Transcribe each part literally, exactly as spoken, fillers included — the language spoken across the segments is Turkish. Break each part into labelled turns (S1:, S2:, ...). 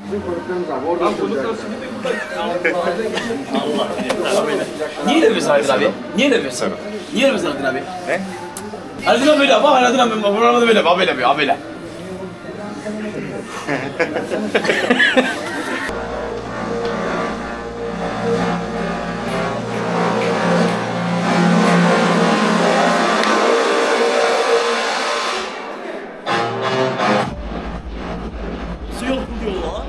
S1: Bizim konuklarımız abi. Orada oturacaklar.
S2: Allah Niye demiyorsun Aydın abi? Niye demiyorsun? Niye demiyorsun Aydın abi?
S3: Ne?
S2: Aydın abi böyle ama Aydın abi programda böyle abi böyle abi böyle. Su yok mu diyor lan?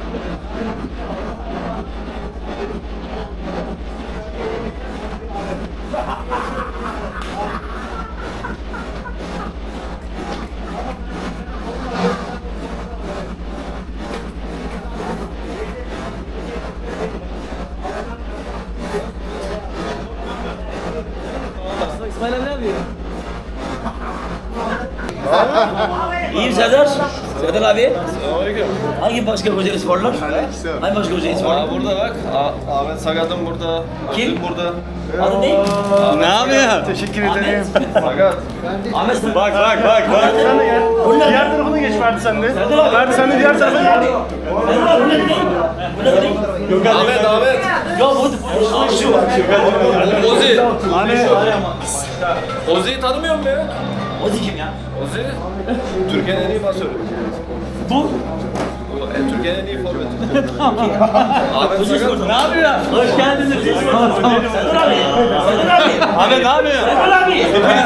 S2: İsmail abi ne yapıyor? İyiyim Serdar. Serdar abi.
S3: Selamünaleyküm.
S2: Hangi başka Kocaeli sporlar? Hangi başka Kocaeli sporlar?
S3: Aa burada bak. A- Ahmet Sagat'ım burada.
S2: Kim?
S3: Özgür burada.
S2: Adı ne?
S3: Ne yapıyor? Teşekkür ederim. Sagat.
S2: Ahmet Serdar.
S3: Bak bak bak bak.
S2: Sen de gel. Bunlar
S4: Diğer tarafını geç Ferdi sen de.
S2: Serdar abi.
S4: Ferdi sen de diğer tarafını
S2: Serdar
S4: geç.
S2: abi. Serdar abi bunlar ne? Bunlar ne?
S4: Yok
S3: Ahmet Ahmet.
S2: Ya bu Aa, şu.
S3: Ozi.
S4: Hani
S3: Ozi'yi tanımıyor musun ya?
S2: O da kim ya?
S3: Ozi. Türkiye'nin en iyi pasörü.
S2: Bu.
S3: E, Türkiye'nin en iyi forveti. Ahmet Sagat.
S2: Ne yapıyor? Hoş geldiniz. Serdar abi. Serdar abi.
S4: Ahmet ne yapıyor?
S2: Serdar abi.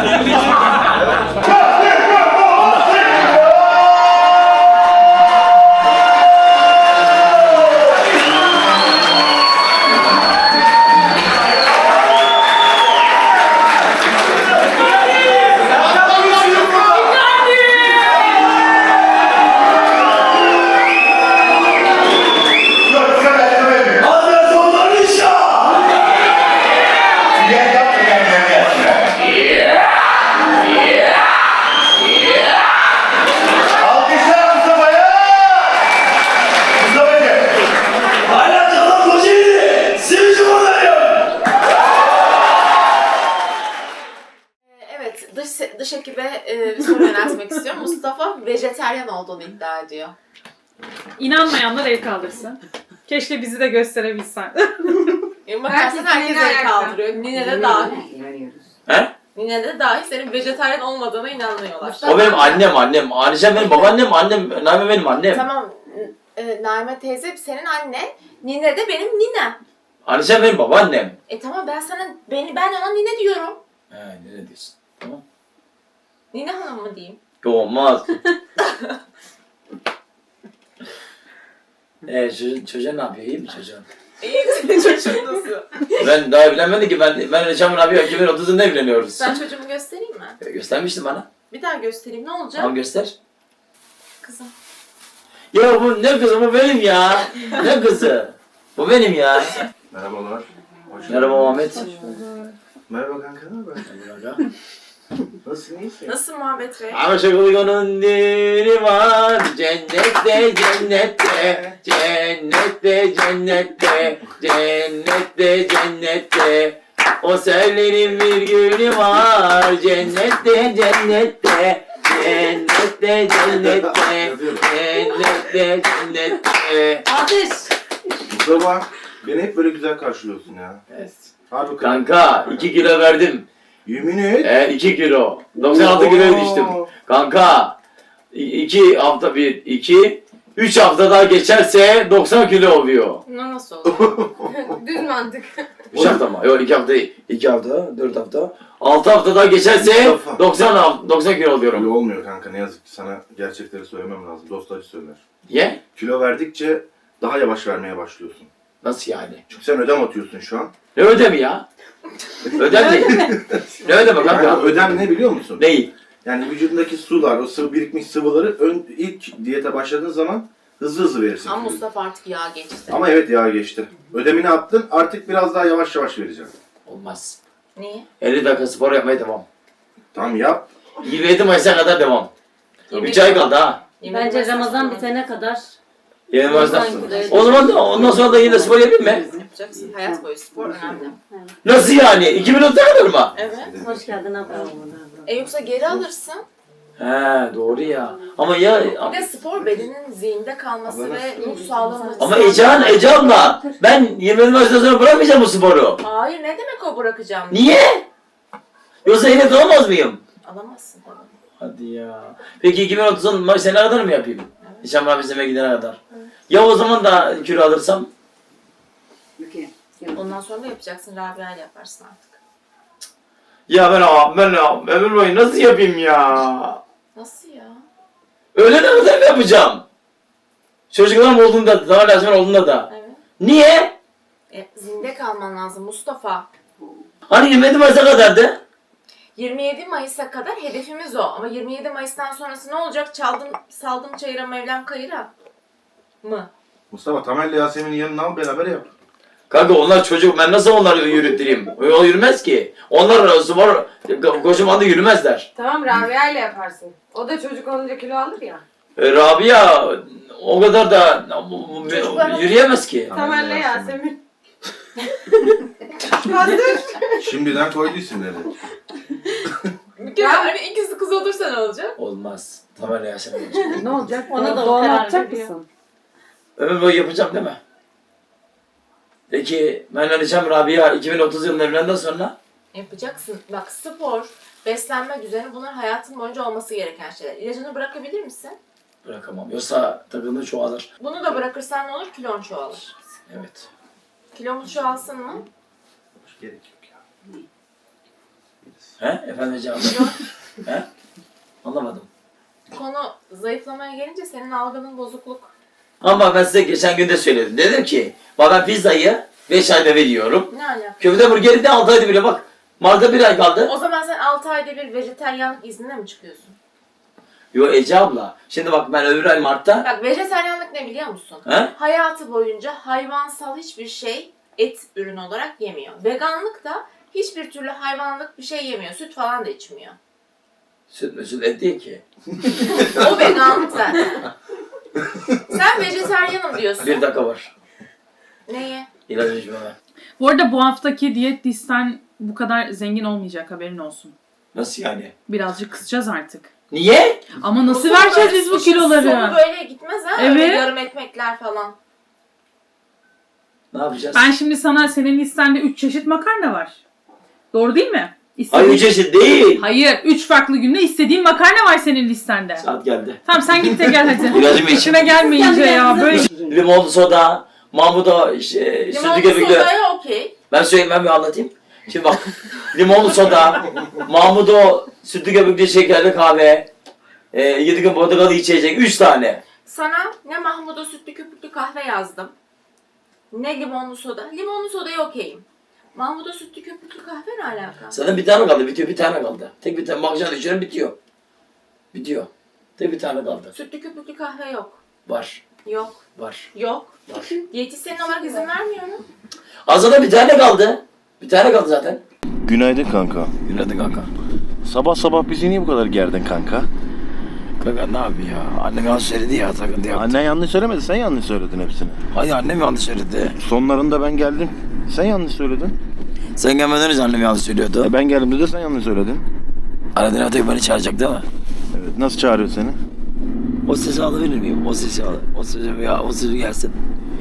S5: Evet, dış, dış ekibe e, bir soru yöneltmek istiyorum. Mustafa vejeteryan olduğunu iddia ediyor.
S6: İnanmayanlar el kaldırsın. Keşke bizi de gösterebilsen.
S5: E, bakarsan herkes el kaldırıyor. Nine de dahil.
S2: He?
S5: Nine de dahil senin vejeteryan olmadığına inanmıyorlar.
S2: O benim annem annem. Anişem benim babaannem annem. Naime benim annem.
S5: Tamam, e, Naime teyze senin annen, Nine de benim ninem.
S2: Anişem benim babaannem.
S5: E tamam ben sana, beni, ben ona nine diyorum.
S2: He ne diyorsun? Tamam.
S5: Nine hanım mı diyeyim?
S2: Yok olmaz. Eee çocuğun, çocuğun ne yapıyor? İyi mi çocuğun?
S5: İyi senin çocuğun nasıl?
S2: Ben daha evlenmedim ki ben ben Reşam'ın abi iki bin otuzunda evleniyoruz.
S5: Ben çocuğumu göstereyim mi?
S2: E, Göstermiştin bana.
S5: Bir daha göstereyim, ne olacak?
S2: Tamam göster.
S5: Kızım.
S2: Ya bu ne kızı bu benim ya. Ne kızı? Bu benim ya.
S7: Merhabalar. Hoş
S2: Merhaba Muhammed.
S7: Merhaba kanka, ne haber? Nasılsın, iyisin?
S5: Nasıl Muhammed Bey?
S2: Aşık uygunun dini var. Cennette cennette. Cennette cennette. Cennette cennette. O sellerin bir günü var. Cennette cennette. Cennette cennette. Cennette cennette.
S5: Ateş!
S7: Mustafa, beni hep böyle güzel karşılıyorsun ya.
S2: Evet.
S7: Hadi bakalım.
S2: Kanka iki kilo verdim.
S7: Yemin et.
S2: E iki kilo. doksan altı kilo düştüm. Kanka iki hafta bir iki üç hafta daha geçerse doksan kilo oluyor.
S5: Ne nasıl oldu? Düz mantık.
S2: üç hafta mı? Yok iki hafta değil. iki hafta, dört hafta. altı hafta daha geçerse
S7: Mustafa.
S2: doksan doksan kilo
S7: Öyle
S2: oluyorum.
S7: olmuyor kanka, ne yazık ki sana gerçekleri söylemem lazım. Dost acı söyler.
S2: Niye?
S7: Kilo verdikçe daha yavaş vermeye başlıyorsun.
S2: Nasıl yani?
S7: Çünkü sen ödem atıyorsun şu an.
S2: Ne ödemi ya? Ödem değil. Ne ödeme
S7: Yani
S2: kanka?
S7: ödem ne biliyor musun?
S2: Değil.
S7: Yani vücudundaki sular, o sıvı birikmiş sıvıları ön, ilk diyete başladığın zaman hızlı hızlı verirsin.
S5: Ama
S7: kiloyu.
S5: Mustafa artık yağ geçti.
S7: Ama evet ya geçti. Ödemini attın, artık biraz daha yavaş yavaş vereceğim.
S2: Olmaz.
S5: Niye?
S2: elli dakika spor yapmaya devam.
S7: Tamam yap.
S2: yirmi yedi Mayıs'a kadar devam. üç ay kaldı ha.
S8: Bence Ramazan bitene kadar
S2: yirmi Mayıs'ta.
S8: doksan kilo
S2: O zaman da ondan sonra da yine spor yapayım mı?
S5: Yapacaksın. Hayat boyu spor önemli.
S2: Nasıl yani? iki bin otuz'a kadar mı?
S5: Evet.
S8: hoş geldin abla.
S5: E yoksa geri alırsın.
S2: He doğru ya. Ama ya
S5: Bir de spor bedenin zihinde kalması ve ruh sağlığının
S2: ama Ecehan, Ece abla ben yirmi yedi maçtan sonra bırakmayacağım bu sporu.
S5: Hayır ne demek o bırakacağım?
S2: Niye? Yoksa yine alamaz mıyım?
S5: Alamazsın tabii.
S2: Hadi ya. Peki iki bin otuzun maç sene kadar mı yapayım? Nişan mahfizeme gidene kadar. Ya o zaman da kilo alırsam?
S5: Ondan sonra da yapacaksın. Rabia ile yaparsın artık.
S2: Ya ben ben ömür boyu nasıl yapayım ya?
S5: Nasıl ya?
S2: Öğlene kadar mı yapacağım? Çocuklarım olduğunda da, daha lazım olduğunda da.
S5: Evet.
S2: Niye?
S5: E, zinde kalman lazım Mustafa.
S2: Hani yirmi yedi Mayıs'a kadardı?
S5: yirmi yedi Mayıs'a kadar hedefimiz o. Ama yirmi yedi Mayıs'tan sonrası ne olacak? Çaldım, saldım çayıra Mevlam kayıra mı?
S7: Mustafa Tamer'le Yasemin'in yanına al beraber yap.
S2: Kanka onlar çocuk, ben nasıl onları yürüttüreyim? O yürümez ki. Onlar spor, kocaman da yürümezler.
S9: Tamam Rabia ile yaparsın. O da çocuk olunca kilo alır ya.
S2: E, Rabia o kadar da yürüyemez ki.
S9: Tamer'le Yasemin.
S7: Şimdiden koydu isimleri.
S5: Bir kere hani ikisi kız olursa ne olacak?
S2: Olmaz. Tamam Yasemin olacak.
S8: Ne olacak?
S9: Ona
S8: Ona
S9: da o
S8: doğum
S9: karar
S8: yapacak
S9: veriyor.
S8: mısın?
S2: Ömür boyu yapacağım değil mi? Peki ben Alişan Rabia iki bin otuz yılında evlendikten sonra?
S5: Yapacaksın. Bak spor, beslenme düzeni bunlar hayatın boyunca olması gereken şeyler. İlacını bırakabilir misin?
S2: Bırakamam. Yoksa takımda çoğalır.
S5: Bunu da bırakırsan ne olur? Kilon çoğalır.
S2: Evet.
S5: Kilomuz çoğalsın mı?
S7: Gerek yok ya.
S2: He? Efendim hocam? He? Anlamadım.
S5: Konu zayıflamaya gelince senin algının bozukluk.
S2: Ama ben size geçen gün de söyledim. Dedim ki bak ben pizzayı beş ayda veriyorum.
S5: Ne alaka?
S2: Köfte burgeri de altı ayda bile bak. Mart'ta bir ay kaldı.
S5: O zaman sen altı ayda bir vejetaryenlik iznine mi çıkıyorsun?
S2: Yo Ece abla. Şimdi bak ben öbür ay Mart'ta.
S5: Bak vejetaryenlik ne biliyor musun?
S2: He?
S5: Hayatı boyunca hayvansal hiçbir şey et ürünü olarak yemiyor. Veganlık da hiçbir türlü hayvanlık bir şey yemiyor. Süt falan da içmiyor.
S2: Süt mü süt et değil ki.
S5: O veganlık zaten. Sen vejetaryenim diyorsun.
S2: Bir dakika var.
S5: Neye?
S2: İlaç içmeme.
S6: Bu arada bu haftaki diyet listen bu kadar zengin olmayacak, haberin olsun.
S2: Nasıl yani?
S6: Birazcık kısacağız artık.
S2: Niye?
S6: Ama nasıl
S5: sonu
S6: vereceğiz
S5: böyle-
S6: biz bu
S5: işin
S6: kiloları?
S5: Sonu böyle gitmez ha.
S6: Evet.
S5: Öyle yarım ekmekler falan.
S2: Ne yapacağız?
S6: Ben şimdi sana, senin listende üç çeşit makarna var. Doğru değil mi?
S2: Ay
S6: İstediğin...
S2: üç çeşit değil.
S6: Hayır, üç farklı günde istediğin makarna var senin listende.
S2: Saat geldi.
S6: Tamam sen git de gel hadi.
S2: İlacımı iç.
S6: İşime gelmeyince ya böyle.
S2: Limonlu soda, Mahmut'a işte, sütü
S5: Limonlu
S2: köpüklü.
S5: sodaya okey.
S2: Ben söyleyeyim, ben bir anlatayım. Şimdi bak, limonlu soda, Mahmut'o sütlü köpüklü şekerli kahve, e, yedi gün portakalı içecek, üç tane.
S5: Sana ne Mahmut'a sütlü köpüklü kahve yazdım. Ne limonlu soda. Limonlu sodaya okeyim. Mahmut'a sütlü köpüklü kahve ne alaka?
S2: Zaten bir tane kaldı, bitiyor, bir tane kaldı. Tek bir tane, bakacağını içiyorum, bitiyor. Bitiyor. Tek bir tane kaldı.
S5: Sütlü köpüklü kahve yok.
S2: Var,
S5: Yok.
S2: var,
S5: Yok.
S2: var.
S5: Diyetisyen olarak izin vermiyor mu?
S2: Azada bir tane kaldı. Bir tane kaldı zaten.
S10: Günaydın kanka.
S2: Günaydın kanka.
S10: Sabah sabah bizi niye bu kadar gerdin kanka?
S2: Kanka ne yapayım ya? Annem yanlış söyledi ya, takıntı yaptı.
S10: Annen yanlış söylemedi, sen yanlış söyledin hepsini.
S2: Hayır annem yanlış söyledi.
S10: Sonlarında ben geldim, sen yanlış söyledin.
S2: Sen gelmeden önce annem yanlış söylüyordu.
S10: E ben geldiğimde de sen yanlış söyledin.
S2: Aradın Atay beni çağıracak değil mi?
S10: Evet, nasıl çağırıyor seni?
S2: O sesi alabilir miyim? O sesi al. O sesi ya, o sesi gelsin.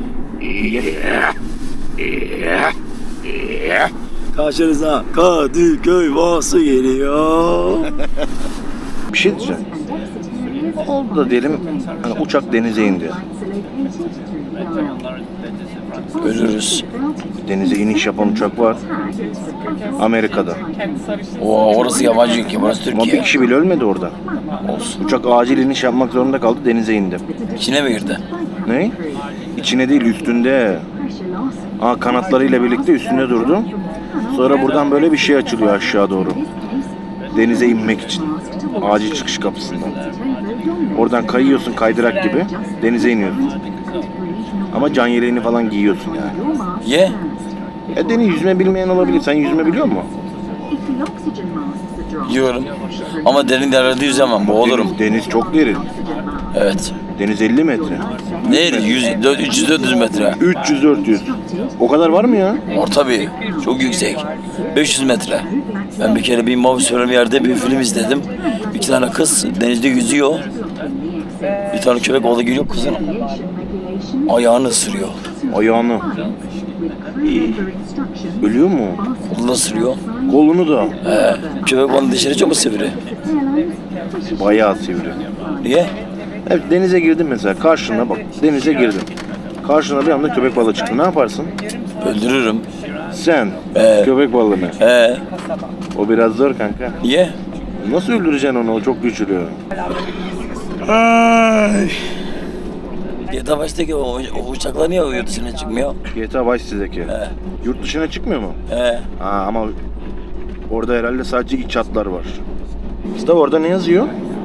S2: Karşınıza Kadıköy Vası geliyor.
S10: Bir şey diyeceğim. Oldu da diyelim, hani uçak denize indi.
S2: Ölürüz.
S10: Denize iniş yapan uçak var. Amerika'da.
S2: Oo, orası yabancı ülke, burası
S10: Ama bir
S2: Türkiye.
S10: kişi bile ölmedi orada. Olsun. Uçak acil iniş yapmak zorunda kaldı, denize indi.
S2: İçine mi girdi?
S10: Ne? İçine değil, üstünde. Aa, kanatlarıyla birlikte üstünde durdu. Sonra buradan böyle bir şey açılıyor aşağı doğru. Denize inmek için. Acil çıkış kapısından. Oradan kayıyorsun kaydırak gibi. Denize iniyorsun. Ama can yeleğini falan giyiyorsun yani.
S2: Ye.
S10: E deniz yüzme bilmeyen olabilir. Sen yüzme biliyor musun?
S2: Yiyorum. Ama derin derlerde yüzemem, boğulurum.
S10: Deniz, deniz çok derin.
S2: Evet.
S10: Deniz elli metre.
S2: Neydi? yüz, üç yüz dört yüz metre.
S10: üç yüz dört yüz. O kadar var mı ya?
S2: Orta bir. Çok yüksek. beş yüz metre. Ben bir kere bir Mavus bir yerde bir film izledim. Bir iki tane kız denizde yüzüyor. Bir tane köpek balığı geliyor kızın ayağını ısırıyor.
S10: Ayağını. İyi. Ölüyor mu?
S2: Kolunu ısırıyor.
S10: Kolunu da.
S2: He. Köpek balığı dişleri çok sivri.
S10: Bayağı sivri.
S2: Niye?
S10: Evet, denize girdin mesela. Karşına bak. Denize girdin. Karşına bir anda köpek balığı çıktı. Ne yaparsın?
S2: Öldürürüm.
S10: Sen.
S2: He.
S10: Köpek balığını.
S2: He.
S10: O biraz zor kanka.
S2: Niye?
S10: Nasıl öldüreceksin onu? O çok güçlü.
S2: Ay. G T A baştaki o, o uçaklar niye yurt dışına çıkmıyor?
S10: G T A Vice City'deki.
S2: He.
S10: Yurt dışına çıkmıyor mu?
S2: He.
S10: Ha, ama orada herhalde sadece iç hatlar var. Mustafa orada ne yazıyor?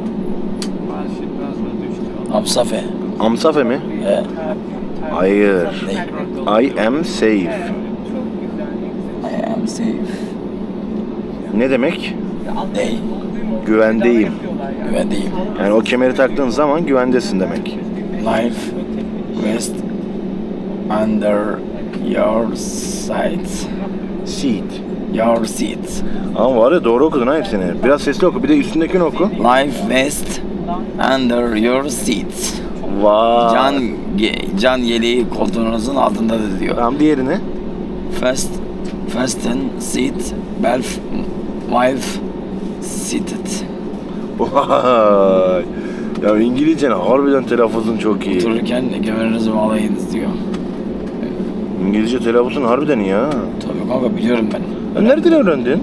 S2: Hamsafe.
S10: Amsafe mi?
S2: He.
S10: Hayır.
S2: Ne?
S10: I am safe.
S2: I am safe.
S10: Ne demek?
S2: Ne?
S10: Güvendeyim.
S2: Güvendeyim.
S10: Yani o kemeri taktığın zaman güvendesin demek.
S2: Life rest under your seat.
S10: Seat.
S2: Your seat.
S10: Ama var ya, doğru okudun ha hepsini. Biraz sesli oku. Bir de üstündekini oku.
S2: Life rest under your seat.
S10: Vay.
S2: Can ge- can yeleği koltuğunuzun altındadır diyor.
S10: Tamam, diğerini.
S2: Fast fasten seat belt while seated.
S10: Vay. Ya İngilizcen harbiden telaffuzun çok iyi.
S2: Otururken gömerinizi bağlayınız diyor.
S10: İngilizce telaffuzun harbiden iyi ha.
S2: Tabii kanka biliyorum ben.
S10: Ya nereden öğrendin?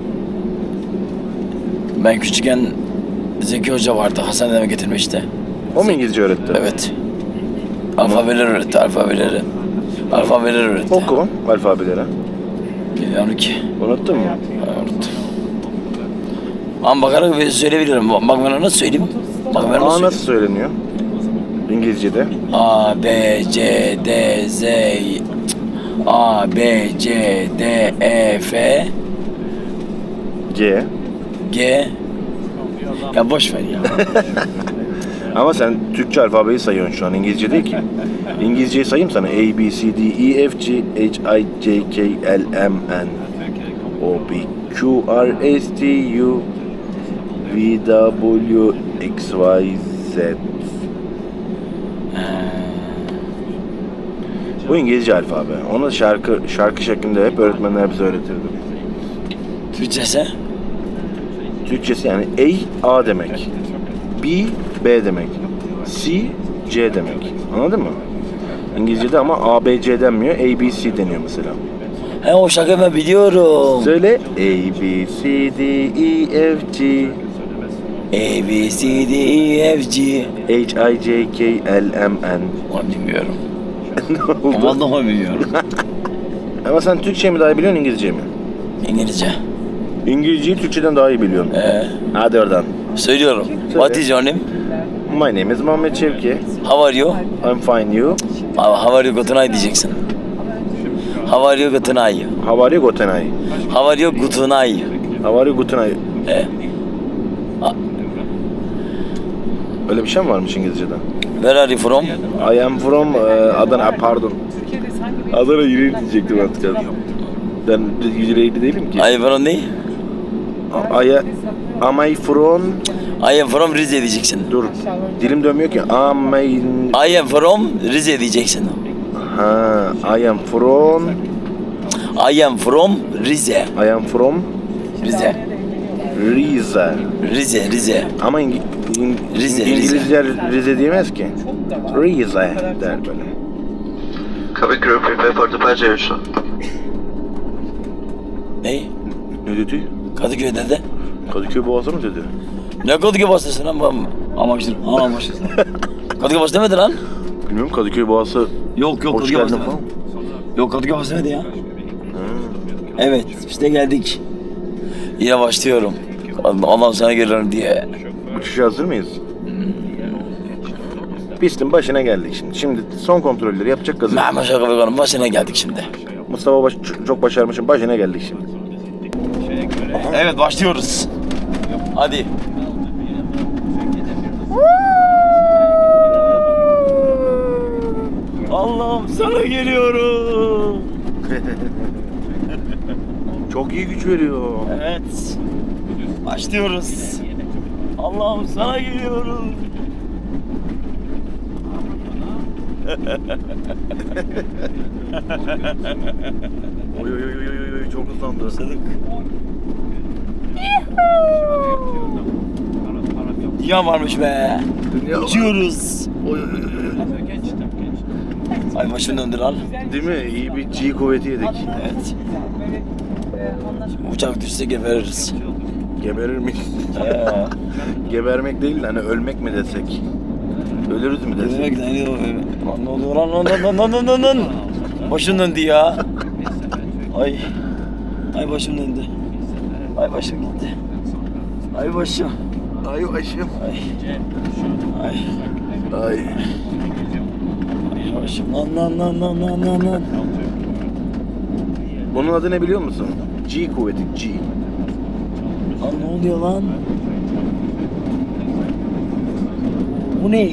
S2: Ben küçükken Zeki Hoca vardı. Hasan dedeme getirmişti.
S10: O mu İngilizce öğretti?
S2: Evet. Alfabeleri öğretti, alfabeleri. Alfabeleri öğretti.
S10: Oku alfabeleri.
S2: Bilmiyorum ki.
S10: Unuttun mu?
S2: Unuttum. Ama bakarak bir söyleyebilirim. Bak ben nasıl söyleyeyim? Bak ben
S10: A
S2: nasıl
S10: nasıl
S2: söyleyeyim?
S10: söyleniyor? İngilizce'de.
S2: A, B, C, D, Z, A, B, C, D, E, F,
S10: C.
S2: G. Ya boş ver ya.
S10: Ama sen Türkçe alfabeyi sayıyorsun şu an. İngilizce değil ki. İngilizceyi sayayım sana. A, B, C, D, E, F, G, H, I, J, K, L, M, N, O, P, Q, R, S, T, U, V, W, X, Y, Z. Bu İngilizce alfabe. Onu şarkı şarkı şeklinde hep öğretmenler bize öğretirdi.
S2: Türkçesi?
S10: Türkçesi yani A, A demek. B, B demek. C, C demek. Anladın mı? İngilizce'de ama A, B, C denmiyor. A, B, C deniyor mesela.
S2: He o şarkıyı ben biliyorum.
S10: Söyle. A, B, C, D, E, F, G,
S2: A, B, C, D, E, F, G.
S10: H, I, J, K, L, M, N.
S2: Onu bilmiyorum.
S10: Ne oldu?
S2: Vallahi bilmiyorum.
S10: Ama sen Türkçe mi daha iyi biliyorsun, İngilizce mi?
S2: İngilizce.
S10: İngilizceyi Türkçeden daha iyi biliyorsun.
S2: Ee,
S10: Hadi oradan.
S2: söylüyorum. What is your name?
S10: My name is Muhammed Şevki.
S2: How are you?
S10: I'm fine, you?
S2: How are you good night diyeceksin. How are you good night?
S10: How are you, guten Tag?
S2: How are you good night?
S10: How are you, guten Tag?
S2: Ee,
S10: Öyle bir şey mi varmış İngilizce'de?
S2: where are you from?
S10: I am from uh, Adana, pardon. Adana yüreği diyecektim artık. Ben yüreğli değilim ki.
S2: Are you from ne?
S10: I am I from...
S2: I am from Rize diyeceksin.
S10: Dur, dilim dönmüyor ki. Am I...
S2: I am from Rize diyeceksin.
S10: Ha, I am from...
S2: I am from Rize.
S10: I am from
S2: Rize.
S10: Rize.
S2: Rize, Rize.
S10: Ama İng İng
S2: Rize,
S10: İngilizler Rize diyemez ki. Rize der böyle.
S1: Cabin crew prepare for departure.
S2: Ne?
S10: Ne dedi?
S2: Kadıköy dedi.
S10: Kadıköy Boğazı mı dedi?
S2: Ne Kadıköy bastısın lan? bu- Amaçlı. Ha amaçlı. Kadıköy bastı demedi lan.
S10: Bilmiyorum, Kadıköy Boğazı.
S2: Yok yok
S10: Hoş
S2: Kadıköy
S10: geldin
S2: bastı
S10: falan.
S2: demedi. Yok Kadıköy bastı demedi ya. Evet işte geldik. Yine başlıyorum. Allah'ım sana geliyorum diye.
S10: Uçuşa hazır mıyız? Pistin başına geldik şimdi. Şimdi son kontrolleri yapacak gazı.
S2: Mehmet Şaka Bekan'ın başına geldik şimdi.
S10: Mustafa baş, çok başarmışım. Başına geldik şimdi.
S2: Evet başlıyoruz. Hadi. Allah'ım sana geliyorum.
S10: Çok iyi güç veriyor.
S2: Evet. Başlıyoruz. Allah'ım sana geliyorum.
S10: Oy oy oy oy oy çok hızlandı.
S2: Sadık. Dünya varmış be.
S10: Dünya var.
S2: Uçuyoruz.
S10: Oy oy oy oy.
S2: Ay başını döndür al.
S10: Değil mi? İyi bir G kuvveti yedik.
S2: Evet. Şimdi uçak düşse gebeririz.
S10: Geberir miyiz?
S2: Ee,
S10: Gebermek değil de hani ölmek mi desek? Ölürüz mü desek?
S2: Demek ne oluyor? Lan ne oluyor lan lan lan lan lan lan lan. Başım döndü ya. Ay. Ay başım döndü. Ay başım gitti. Ay başım.
S10: Ay başım.
S2: Ay. Ay.
S10: Ay.
S2: Ay başım. Lan lan lan lan lan lan lan.
S10: Bunun adı ne biliyor musun? G kuvveti G.
S2: Lan ne oluyor lan? Bu ne?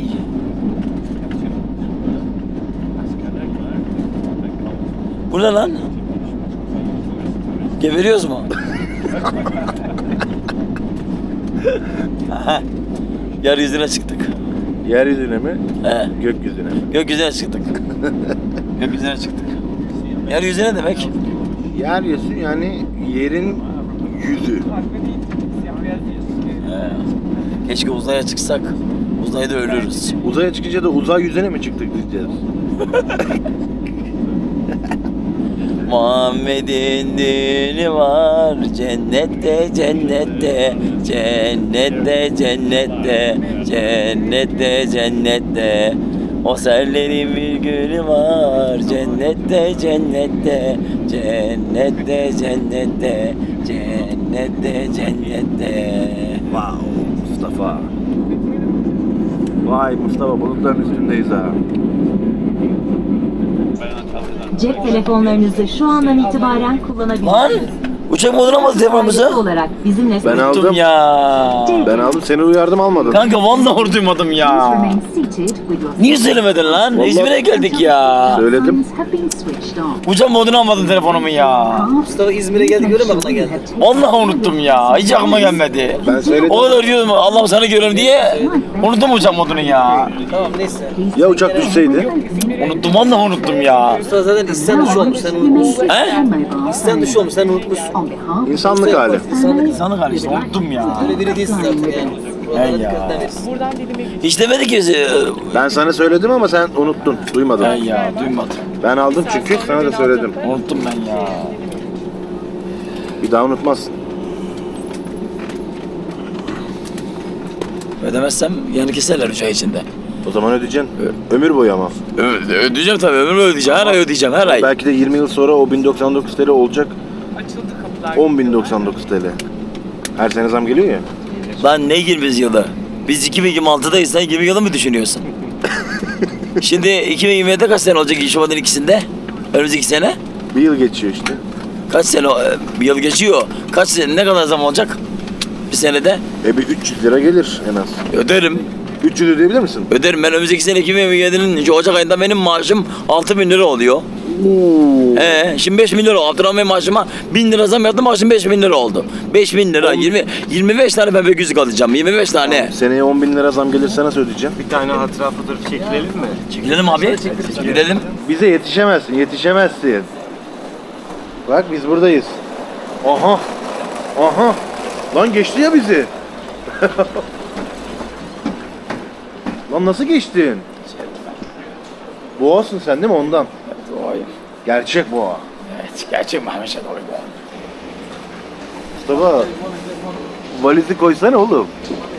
S2: Bu ne lan? Geberiyoruz mu? Aha. Yeryüzüne çıktık.
S10: Yeryüzüne mi?
S2: He.
S10: Gökyüzüne.
S2: Gökyüzüne çıktık. Gökyüzüne çıktık. Yeryüzüne demek?
S10: Yeryüzü yani yerin yüzü.
S2: He. Keşke uzaya çıksak. Uzayda ölürüz.
S10: Uzaya çıkınca da uzay yüzüne mi çıktık diyeceğiz?
S2: Muhammed'in dini var cennette cennette cennette cennette cennette cennette o serlerin bir günü var cennette cennette cennette cennette cennette cennette.
S10: Wow Mustafa. Vay Mustafa bulutların üstündeyiz ha.
S11: Cep telefonlarınızı şu andan itibaren
S2: Lan
S11: kullanabilirsiniz.
S2: uçak moduna mı telefonumuzu?
S11: Ayrıca olarak bizimle
S10: Ben
S2: Unuttum
S10: aldım.
S2: ya.
S10: Ben aldım seni uyardım almadın.
S2: Kanka vallahi duymadım ya.
S11: remain seated with your
S2: Niye söylemedin lan?
S10: Vallahi-
S2: İzmir'e geldik ya.
S10: Söyledim.
S11: have been switched on.
S2: Uçak modunu almadın telefonumu ya.
S11: Mustafa İzmir'e geldi göre bak geldi.
S2: Vallahi unuttum ya. Hiç aklıma gelmedi.
S10: Ben söyledim.
S2: O kadar diyordum Allah'ım sana görüyorum diye. Unuttum uçak modunu ya.
S10: Ya uçak düşseydi?
S2: Unuttum vallahi unuttum ya.
S11: Zaten isyan dışı olmuş sen unutmuşsun.
S2: He?
S11: İsyan dışı olmuş sen unutmuşsun.
S10: İnsanlık hali.
S2: İnsanlık hali işte unuttum ya.
S11: Öyle biri değilsin zaten yani.
S2: He ya. Hiç demedi ki. e,
S10: Ben sana söyledim ama sen unuttun. Duymadın.
S2: He ya duymadım.
S10: Ben aldım çünkü sana da söyledim.
S2: Unuttum ben ya.
S10: Bir daha unutmazsın.
S2: Ödemezsem yani keserler üç ay içinde.
S10: O zaman ödeyeceksin. Ömür boyu ama.
S2: Ö- ödeyeceğim tabii ömür boyu ödeyeceğim. Her ay ödeyeceğim her ay.
S10: Belki de yirmi yıl sonra o bin doksan dokuz T L olacak. on bin doksan dokuz T L. Her sene zam geliyor ya.
S2: Lan ne yirmi yılı? Biz iki bin yirmi altıdayız sen yirmi yılı mı düşünüyorsun? Şimdi iki bin yirmi yedide kaç sene olacak Şubat'ın ikisinde? Önümüzdeki sene?
S10: Bir yıl geçiyor işte.
S2: Kaç sene, e, bir yıl geçiyor. Kaç sene, ne kadar zaman olacak? Bir senede?
S10: E bir üç yüz lira gelir en az.
S2: Öderim.
S10: üç yüz ödeyebilir misin?
S2: Öderim. Ben önümüzdeki sene iki bin yirmi yedinin şu Ocak ayında benim maaşım altı bin lira oluyor.
S10: Oo.
S2: Ee, şimdi beş bin lira oldu. Abdurrahman maaşıma bin lira zam yaptım, maaşım beş bin lira oldu. beş bin lira, yirmi, yirmi beş tane pembe gözlük alacağım. yirmi beş tane.
S10: Seneye on bin lira zam gelirse nasıl ödeyeceğim?
S3: Bir tane hatıra fotoğrafı çekilelim mi?
S2: Çekilelim abi. Çekilelim.
S10: Bize yetişemezsin, yetişemezsin. Bak biz buradayız. Aha. Aha. Lan geçti ya bizi. Lan nasıl geçtin? Boğasın sen değil mi ondan?
S2: Doğayım.
S10: Gerçek boğa.
S2: Evet, gerçek Mehmet Şadoğlu.
S10: Mustafa. Valizi koysana oğlum.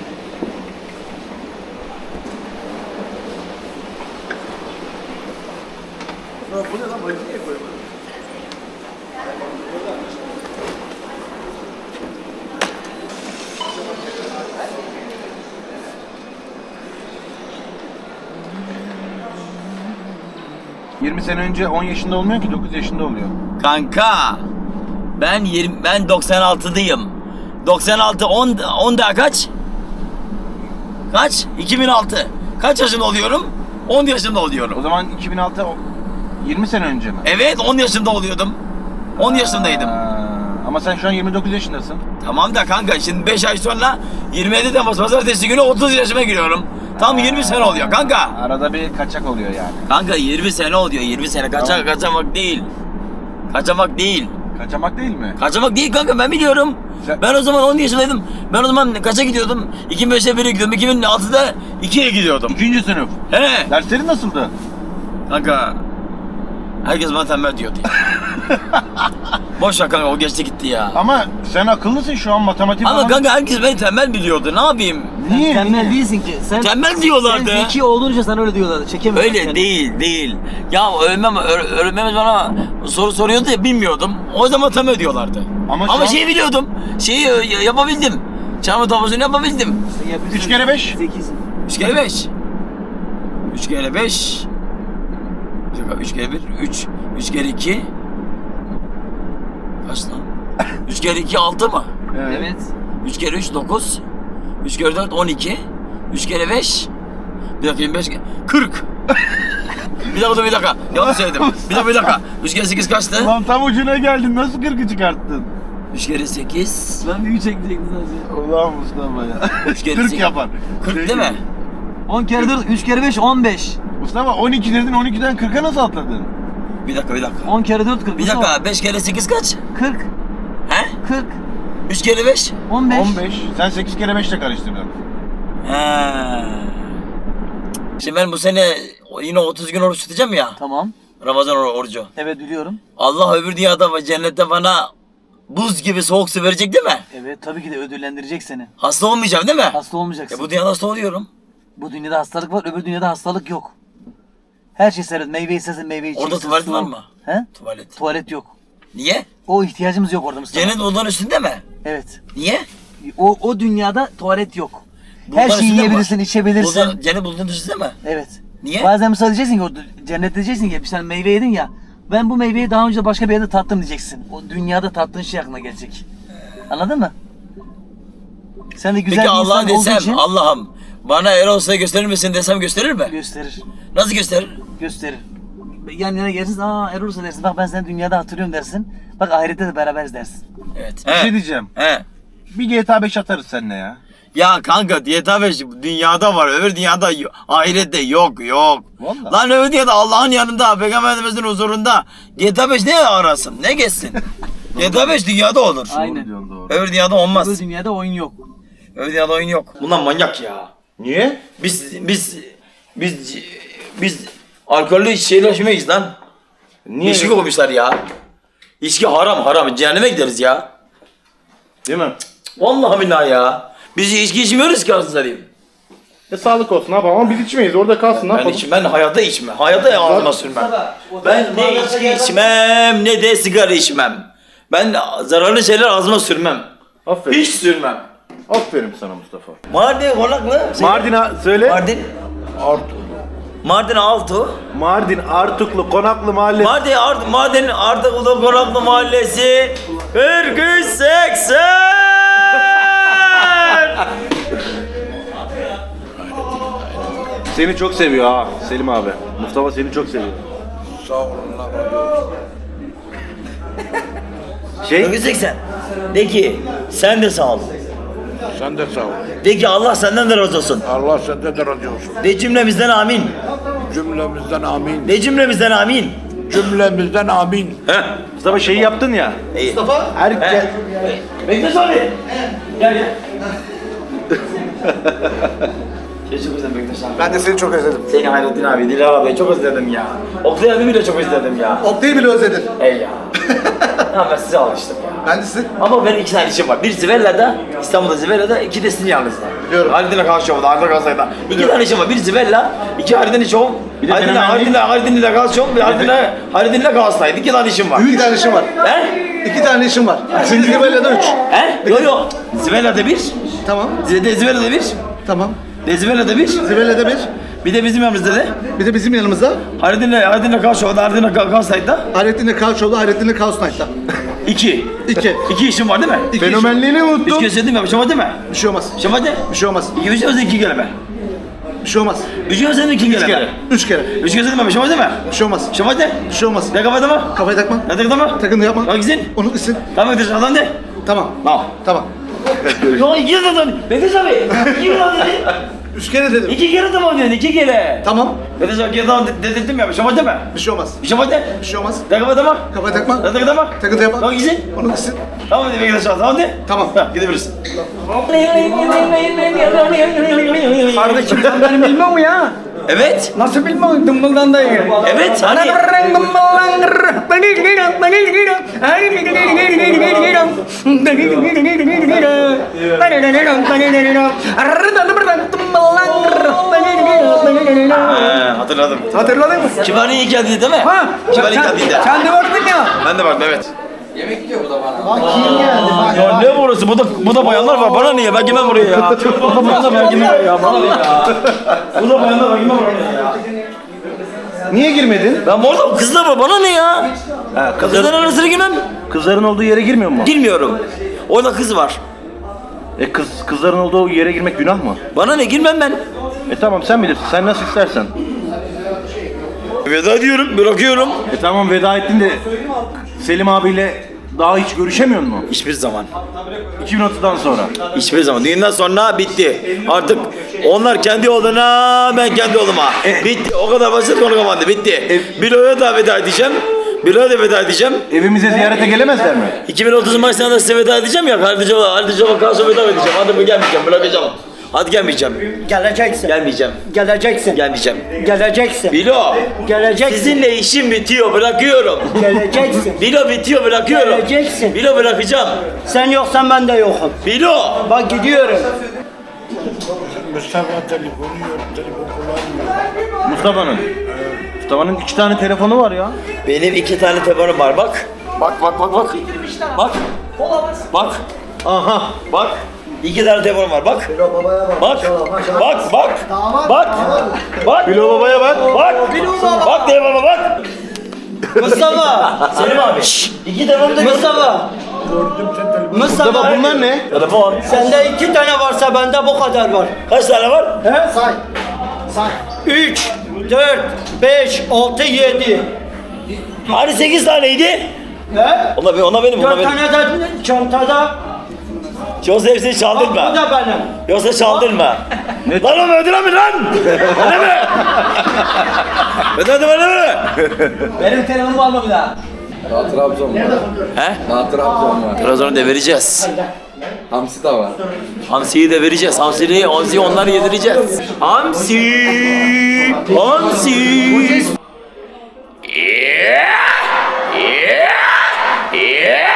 S10: yirmi sene önce on yaşında olmuyor ki dokuz yaşında oluyor.
S2: Kanka, ben yirmi, ben doksan altıdayım. doksan altı, on, on daha kaç? Kaç? iki bin altı. Kaç yaşında oluyorum? on yaşında oluyorum.
S10: O zaman iki bin altı o- yirmi sene önce mi?
S2: Evet, on yaşında oluyordum. on yaşındaydım.
S10: Aa, Ama sen şu an yirmi dokuz yaşındasın.
S2: Tamam da kanka şimdi beş ay sonra yirmi yedi Temmuz pazartesi günü otuz yaşıma giriyorum. Tam yirmi sene oluyor kanka.
S10: Arada bir kaçak oluyor yani.
S2: Kanka yirmi sene oluyor yirmi sene. Kaçak kaçamak değil. Kaçamak değil.
S10: Kaçamak değil mi?
S2: Kaçamak değil kanka ben biliyorum.
S10: Sen-
S2: Ben o zaman on yaşındaydım. Ben o zaman kaça gidiyordum? iki bin beşe bire gidiyordum. iki bin altıda ikiye gidiyordum.
S10: İkinci sınıf.
S2: He.
S10: Derslerin nasıldı?
S2: Kanka herkes bana tembel diyordu ya. Boş ver kanka o geçti gitti ya.
S10: Ama sen akıllısın şu an matematik
S2: Ama
S10: falan.
S2: kanka herkes beni tembel biliyordu. Ne yapayım?
S10: Niye?
S4: Tembel değilsin ki. Sen,
S2: Tembel diyorlardı.
S4: sen zeki olduğunca sana öyle diyorlardı. Çekemiyorsun.
S2: Öyle değil değil. Ya öğretmen, öğ- öğretmenimiz bana soru soruyordu ya bilmiyordum. O zaman tam ödüyorlardı.
S10: Ama
S2: Ama,
S10: şu an-
S2: şeyi biliyordum. Şeyi e, yapabildim. Çarpı tablosunu yapabildim.
S10: Üç kere beş.
S4: Zekisin.
S2: Üç kere beş. Üç kere beş. Bir dakika, üç kere bir. Üç. Üç kere iki. Kaç lan? Üç kere iki altı mı?
S4: Evet.
S2: Üç kere üç dokuz. Üç kere dört on iki. Üç kere beş. Bir dakika yirmi beş. Kırk. Bir dakika dur bir dakika. Yanlış söyledim. Bir dakika bir dakika. Üç kere sekiz kaçtı?
S10: Lan tam ucuna geldin. Nasıl kırkı çıkarttın?
S2: Üç kere sekiz.
S4: Ben bir üç ekleyecektim sadece.
S10: Ulan Mustafa ya.
S2: Üç kere
S10: kırk
S2: sekiz.
S10: yapar.
S2: Kırk
S10: Peki.
S2: değil mi?
S4: on kere dört, üç kere beş, on beş.
S10: Mustafa on iki dedin, on ikiden kırka nasıl atladın?
S2: Bir dakika bir dakika.
S4: on kere dört, kırk.
S2: Bir dakika. Beş kere sekiz kaç?
S4: kırk,
S2: He?
S4: kırk,
S2: Üç kere beş?
S4: on beş.
S10: on beş. Sen sekiz kere beşle karıştırdın.
S2: He. Şimdi ben bu sene yine otuz gün oruç tutacağım ya.
S4: Tamam.
S2: Ramazan or- orucu.
S4: Evet biliyorum.
S2: Allah öbür dünyada ve cennette bana buz gibi soğuk su verecek değil mi?
S4: Evet tabii ki de ödüllendirecek seni.
S2: Hasta olmayacağım değil mi?
S4: Hasta olmayacaksın.
S2: Ya bu dünyada hasta oluyorum.
S4: Bu dünyada hastalık var, öbür dünyada hastalık yok. Her şey serbest. Meyve istersen meyve içeceksin.
S2: Orada tuvalet
S4: su-
S2: var mı?
S4: He?
S2: Tuvalet.
S4: Tuvalet yok.
S2: Niye?
S4: O ihtiyacımız yok orada Mustafa.
S2: Cennet bulduğun üstünde mi?
S4: Evet.
S2: Niye?
S4: O, o dünyada tuvalet yok.
S2: Bulutların
S4: Her şeyi
S2: üstünde mi
S4: yiyebilirsin,
S2: var?
S4: içebilirsin.
S2: Bulutlar- cennet bulduğun üstünde mi?
S4: Evet.
S2: Niye?
S4: Bazen mesela diyeceksin ki orada cennette diyeceksin ki bir tane meyve yedin ya. Ben bu meyveyi daha önce başka bir yerde tattım diyeceksin. O dünyada tattığın şey aklına gelecek. Anladın mı? Sen de güzel
S2: Peki
S4: bir
S2: Allah'a
S4: insan olduğu
S2: desem
S4: için
S2: Allah'ım bana Erol Usta'yı gösterir misin desem gösterir mi?
S4: gösterir.
S2: Nasıl gösterir?
S4: Gösterir. Yan yana gelirsin, aa Erol Usta dersin. Bak ben seni dünyada hatırlıyorum dersin. Bak ahirette de beraberiz dersin.
S2: Evet.
S10: Bir
S2: He.
S10: şey diyeceğim.
S2: He.
S10: Bir G T A beş atarız seninle ya.
S2: Ya kanka diyeta beş dünyada var öbür dünyada yo- ahirette yok yok.
S10: Vallahi.
S2: Lan öbür dünyada Allah'ın yanında Peygamberimizin huzurunda G T A beş ne arasın ne geçsin? G T A beş dünyada olur.
S4: Aynen.
S10: Diyorsun doğru.
S2: Öbür dünyada olmaz.
S4: Bu dünyada oyun yok.
S2: Öbür dünyada oyun yok. Bunlar manyak ya.
S10: Niye?
S2: Biz biz biz biz alkollü şeyler içmeyiz lan.
S10: Niye?
S2: İçki koymuşlar ya. İçki haram haram cehenneme gideriz ya.
S10: Değil mi?
S2: Vallahi billahi ya. Biz içki içmiyoruz ki aslında diyeyim.
S10: E sağlık olsun abi ama biz içmeyiz. Orada kalsın ne
S2: Ben
S10: yapalım?
S2: içim, ben hayatta içmem. Hayatta ağzıma sürmem. Ben ne içki içmem ne de sigara içmem. Ben zararlı şeyler ağzıma sürmem.
S10: Aferin.
S2: Hiç sürmem.
S10: Aferin sana Mustafa.
S2: Mardin konaklı.
S10: Mardin'a söyle.
S2: Mardin.
S10: Artuklu.
S2: Mardin Altu.
S10: Mardin Artuklu Konaklı Mahallesi.
S2: Mardin Art Mardin Artuklu Konaklı Mahallesi. kırk üç seksen.
S10: Seni çok seviyor ha Selim abi. Mustafa seni çok seviyor. Şey,
S2: kırk üç seksen. De ki sen de sağ ol.
S12: Sen de sağ ol.
S2: De ki Allah senden de razı olsun.
S12: Allah senden de razı olsun.
S2: De cümlemizden amin.
S12: Cümlemizden amin.
S2: De cümlemizden amin.
S12: Cümlemizden amin.
S2: He.
S10: Mustafa şeyi yaptın ya.
S2: İyi.
S10: Herkes
S2: Bektaş abi. Gel gel. Seni çok özledim Bektaş abi.
S3: Ben de seni çok özledim.
S2: Seni Hayrettin abi, Dilara abi çok özledim ya. Oktay abimi de çok özledim ya.
S3: Oktay'ı bile özledin.
S2: Ey ya. Ya ben size alıştım ya.
S3: Ben de sizi...
S2: Ama benim iki tane işim var. Bir Zivella'da, İstanbul'da Zivella'da, iki de sizin yanınızda.
S3: Biliyorum.
S2: Hardin'le Kavşov'da, Hardin'le Kavşov'da. İki tane işim var. Bir Zivella, iki Hardin'le Şov.
S10: Bir de
S2: Hardin'le,
S10: fenomenlik.
S2: Hardin'le, Hardin'le Kavşov, bir Hardin'le, Hardin'le Kavşov'daydı. İki tane işim var.
S3: İki tane işim var.
S2: He?
S3: İki tane işim var. Üçüncü Zibella'da üç.
S2: He? Yok yok. Zivella'da bir,
S3: Tamam.
S2: Zivella'da Zivella'da bir,
S3: Tamam.
S2: Zivella'da bir,
S3: Zibella'da bir.
S2: bir de bizim yanımızda da.
S3: Bir de bizim yanımızda.
S2: Hardin'le, Hardin'le Kavşov'da, Hardin'le Kavşov'da.
S3: Hayrettin'le Kavşov'da, Hayrettin'le Kaos Knight'ta.
S2: İki.
S3: İki.
S2: İki işim var değil mi?
S3: İki işim.
S10: fenomenliğini
S2: Üç
S10: unuttun.
S2: kez söyledim ya, bir şey var değil mi?
S3: Bir şey olmaz.
S2: Bir şey var değil mi?
S3: Bir şey olmaz.
S2: İki üç olsa iki kelime.
S3: Bir
S7: Bir şey olmaz.
S2: Üç kere sen de iki kere.
S7: Üç kere. Üç kere.
S2: Üç kere sen de bir şey olmaz değil mi?
S7: Bir şey olmaz.
S2: Bir şey olmaz de.
S7: Bir şey olmaz.
S2: Ne kafada mı?
S7: Kafaya takma.
S2: Ne takıda mı?
S7: Takın da yapma.
S2: Bak gitsin.
S7: Onu gitsin.
S2: Tamam gidiyorsun adam de.
S7: Tamam.
S2: Tamam.
S7: Tamam.
S2: Yok iki kere de Beteş abi. İki kere dedi.
S7: Üç kere dedim.
S2: İki kere tamam dedi. İki kere.
S7: Tamam.
S2: Beteş abi iki kere tamam dedirttim ya. Bir şey olmaz değil mi?
S7: Bir şey olmaz.
S2: Bir şey olmaz de.
S7: Bir şey olmaz.
S2: Ne kafada mı?
S7: Kafaya takma.
S2: Ne takıda mı?
S7: Takın da yapma.
S2: Bak gitsin.
S7: Onu gitsin.
S2: Tamam dedi Beteş abi tamam de.
S7: Tamam.
S2: Ha, gidebilirsin.
S3: Kardeşim sen beni bilmiyor mu ya?
S2: Evet.
S3: Nasıl bilmiyorsun? Dımbıldan da iyi.
S2: Evet hani. Ha, hatırladım.
S3: Hatırladın mı?
S2: Kibariye ilk geldi değil mi?
S3: Ha?
S2: Kibariye ilk
S3: Sen,
S2: geldi.
S3: sen de baktın ya.
S2: Ben de vardım evet. Ya ne burası? Bu da bu da bayanlar var. Bana niye? Ben girmem buraya ya. Bu da bayanlar ben girmem ya. Bana ne ya? Bu da bayanlar ben girmem buraya ya.
S10: Niye girmedin?
S2: Ben orada kızlar var. Bana ne ya?
S10: Ha,
S2: Kızların arasına girmem.
S10: Kızların olduğu yere girmiyor mu?
S2: Girmiyorum. Orada kız var.
S10: E kız kızların olduğu yere girmek günah mı?
S2: Bana ne? Girmem ben.
S10: E tamam sen bilirsin. Sen nasıl istersen.
S2: Veda ediyorum. Bırakıyorum.
S10: E tamam veda ettin de Selim abiyle daha hiç görüşemiyor mu?
S2: Hiçbir zaman.
S10: iki bin altıdan sonra.
S2: Hiçbir zaman. Düğünden sonra bitti. Artık onlar kendi yoluna, ben kendi yoluma. Bitti. O kadar basit konu kapandı. Bitti. Bilo'ya da veda edeceğim. Bilo'ya da veda edeceğim.
S10: Evimize ziyarete gelemezler mi?
S2: iki bin otuz maçlarında da size veda edeceğim ya. Kardeşime, kardeşime karşı veda edeceğim. Hadi mı gelmeyeceğim, bırakacağım. Hadi gelmeyeceğim.
S3: Geleceksin.
S2: Gelmeyeceğim.
S3: Geleceksin.
S2: Gelmeyeceğim.
S3: Geleceksin.
S2: Bilo.
S3: Geleceksin.
S2: Sizinle işim bitiyor, bırakıyorum.
S3: Geleceksin.
S2: Bilo bitiyor, bırakıyorum.
S3: Geleceksin.
S2: Bilo bırakacağım.
S3: Sen yoksan ben de yokum.
S2: Bilo.
S3: Bak gidiyorum.
S12: Mustafa telefonu yok, telefon kullanmıyor.
S10: Mustafa'nın. Mustafa'nın iki tane telefonu var ya.
S2: Benim iki tane telefonum var bak. Bak bak bak bak. Bak. Bak.
S10: Aha.
S2: Bak. İki tane telefonum var bak. Bak. Bak bak. Bak. Bak.
S10: Bilo babaya bak.
S2: Bak. Bak telefonuma bak.
S3: Mustafa.
S2: Selim abi. Şşş. İki telefonum da
S3: Mustafa.
S10: Mustafa
S3: Mustafa.
S10: bunlar ne?
S2: Telefon.
S3: Sende iki tane varsa bende bu kadar var.
S2: Kaç tane var?
S3: He? Say. Say. Üç, dört, beş, altı, yedi.
S2: Hani sekiz taneydi?
S3: He?
S2: Ona, ona benim, ona
S3: Dört
S2: benim.
S3: tane de çantada.
S2: Yoksa hepsini
S3: Bak
S2: çaldırma.
S3: bu da benim.
S2: Yoksa çaldırma. Lan oğlum ödül mi lan? Öyle mi? Ödül ödül mi?
S4: Benim telefonumu alma bir daha.
S3: Daha Trabzon var.
S2: He?
S3: Daha Trabzon var.
S2: Trabzon'u da vereceğiz.
S3: Hamsi de var.
S2: Hamsiyi de vereceğiz. Hamsiyi, hamsiyi onları yedireceğiz. Hamsi! Hamsi! Yeah! Yeah! Yeah!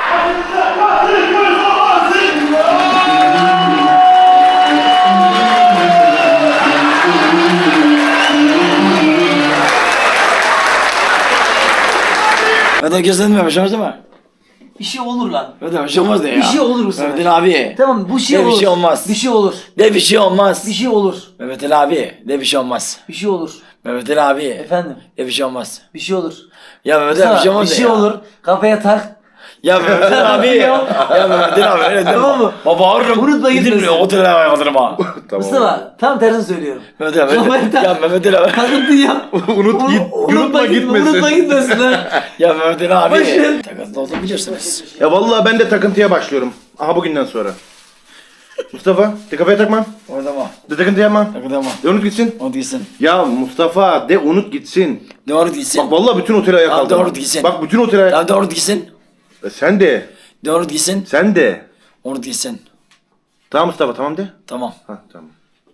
S2: Hadi gözlenmiyor, bir şey olmaz değil mi?
S4: Bir şey olur lan.
S2: Hadi bir şey olmaz de ya.
S4: Bir şey olur bu sefer.
S2: Mehmet Ali abi.
S4: Tamam bu şey
S2: De bir
S4: olur.
S2: şey olmaz.
S4: Bir şey olur.
S2: De bir şey olmaz.
S4: Bir şey olur.
S2: Mehmet Ali abi. De bir şey olmaz.
S4: Bir şey olur.
S2: Mehmet Ali abi.
S4: Efendim.
S2: De bir şey olmaz.
S4: Bir şey olur.
S2: Ya Mehmet Ali bir şey olmaz
S4: bir
S2: de
S4: şey
S2: ya.
S4: olur. Kafaya tak.
S2: Ya Mehmet Ali abi. ya Mehmet Ali abi öyle deme.
S4: Tamam mı?
S2: Baba bağırırım.
S4: Unutma
S2: Gidin
S4: gitmesin.
S2: otele ayaklarım ha.
S4: Mustafa tam tersini söylüyorum.
S2: Mehmet Ali
S4: Kafaya
S2: abi.
S4: tak.
S2: Ya Mehmet Ali abi.
S4: Takıntı yap.
S10: Unut git.
S4: Unutma gitme. Unutma gitmesin lan.
S2: Ya Mehmet Ali abi.
S4: Başım.
S2: Takıntı olduğunu bilirsiniz.
S10: Ya vallahi ben de takıntıya başlıyorum. Aha bugünden sonra. Mustafa de kafaya takma.
S2: Orada mı?
S10: De takıntı yapma.
S2: Takıntı ama.
S10: De unut gitsin.
S2: O değilsin.
S10: Ya Mustafa de unut gitsin.
S2: Doğru değilsin.
S10: Bak vallahi bütün oteli ayağa
S2: Tamam,
S10: kaldırma.
S2: doğru gitsin.
S10: Bak bütün oteli ayağa
S2: Ya doğru değilsin.
S10: E, sen de.
S2: Doğru değilsin.
S10: Sen de.
S2: Onu değilsin.
S10: Tamam Mustafa tamam de.
S2: Tamam.
S10: Ha tamam.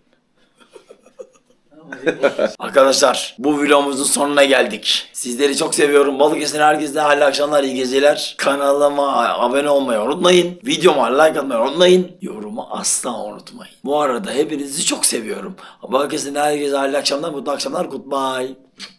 S2: Arkadaşlar bu vlogumuzun sonuna geldik. Sizleri çok seviyorum. Balıkesir'in herkese hayırlı akşamlar, iyi geceler. Kanalıma abone olmayı unutmayın. Videoma like atmayı unutmayın. Yorumu asla unutmayın. Bu arada hepinizi çok seviyorum. Balıkesir'in herkese hayırlı akşamlar, mutlu akşamlar. Goodbye.